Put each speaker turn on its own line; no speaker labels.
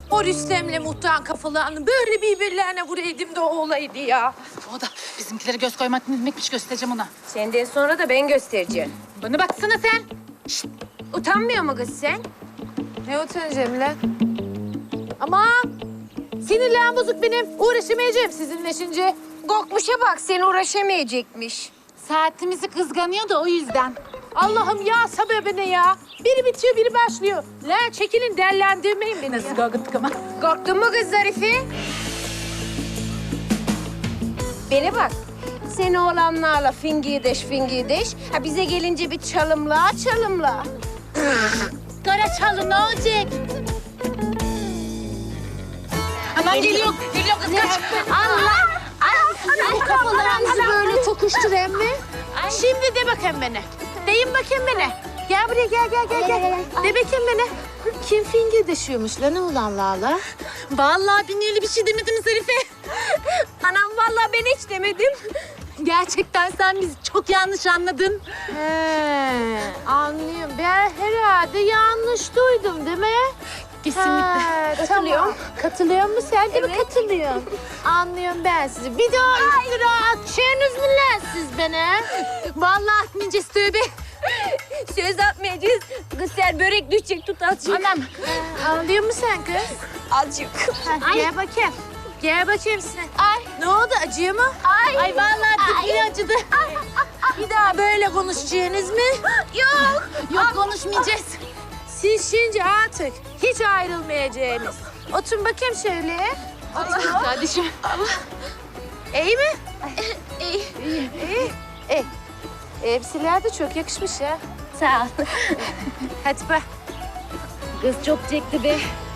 O Rüstem'le Muhtar'ın kafalarını böyle birbirlerine vuraydım da o olaydı ya.
O da bizimkilere göz koymak ne demekmiş göstereceğim ona.
Senden sonra da ben göstereceğim.
Bana baksana sen.
Utanmıyor mu kız sen?
Ne utanacağım lan? Aman! Sinirlerim bozuk benim. Uğraşamayacağım sizinle şimdi.
Korkmuşa bak, sen uğraşamayacakmış.
Saatimizi kızganıyor da o yüzden.
Allah'ım ya sabır beni ya. Biri bitiyor, biri başlıyor. Lan çekilin, dellendirmeyin beni.
Nasıl korkuttuk ama.
Korktun mu kız Zarife? Bana bak. Sen oğlanlarla fingideş. Ha bize gelince bir çalımla.
Karaçalı ne olacak? Aman geliyor kız kaç.
Allah!
Bu kafalarınızı böyle tokuştur emmi. Şimdi de bakın bana. Deyin bakın bana. Gel buraya gel. De bakın bana. Kim fingirdeşiyormuş lan oğlanlarla?
Vallahi ben öyle bir şey demedim Zarife.
Anam vallahi ben hiç demedim.
Gerçekten sen bizi çok yanlış anladın.
He, anlıyorum. Ben herhalde yanlış duydum değil mi?
Kesinlikle.
Katılıyorum. Katılıyor musun? Sen de mi katılıyorsun? Anlıyorum ben sizi. Bir daha iftira atışınız mı lan siz bana?
Vallahi atmayacağız tövbe.
Söz atmayacağız. Kız sen börek düşecek tut azıcık.
Anam.
Anlıyor musun sen kız?
Azıcık.
Gel bakayım. Gel bakayım sen. Ay. Ne oldu? Acıyor mu?
Ay vallahi dibine acıdı.
Bir daha böyle konuşacaksınız mı?
Yok konuşmayacağız.
Siz şimdi artık hiç ayrılmayacaksınız. Oturun bakayım şöyle.
Kardeşim.
İyi mi? İyi. Elbiseler de çok yakışmış ya.
Sağ ol.
Hadi bak.
Kız çok çekti be.